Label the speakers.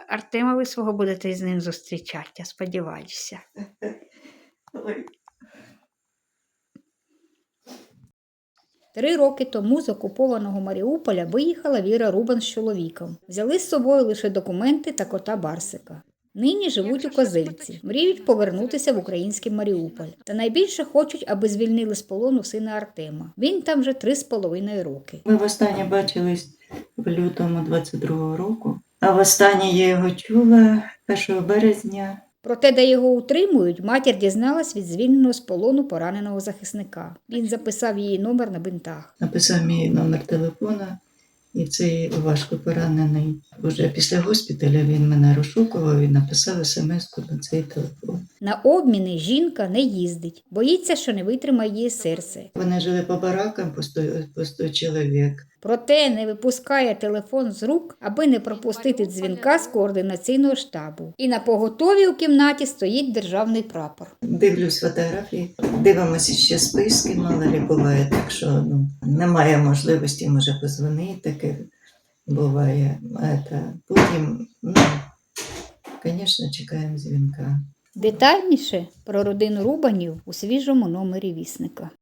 Speaker 1: Артема ви свого будете з ним зустрічати, я сподіваюся.
Speaker 2: Ой.
Speaker 3: 3 роки тому з окупованого Маріуполя виїхала Віра Рубан з чоловіком. Взяли з собою лише документи та кота Барсика. Нині живуть у Козельці, мріють повернутися в український Маріуполь. Та найбільше хочуть, аби звільнили з полону сина Артема. Він там вже 3,5 роки.
Speaker 2: Ми востаннє бачились в лютому 22-го року, а востаннє я його чула 1 березня.
Speaker 3: Проте, де його утримують, матір дізналась від звільненого з полону пораненого захисника. Він записав її номер на бинтах.
Speaker 2: Написав мій номер телефона, і цей важко поранений. Уже після госпіталя він мене розшукував і написав смс-ку на цей телефон.
Speaker 3: На обміни жінка не їздить, боїться, що не витримає її серце.
Speaker 2: Вони жили по баракам по 100 чоловік.
Speaker 3: Проте не випускає телефон з рук, аби не пропустити дзвінка з координаційного штабу. І на поготові у кімнаті стоїть державний прапор.
Speaker 2: Дивлюсь фотографії, дивимося ще списки, мало ли буває, так що немає можливості, може, позвонити, таке буває. Потім, звісно, чекаємо дзвінка.
Speaker 3: Детальніше про родину Рубанів у свіжому номері «Вісника».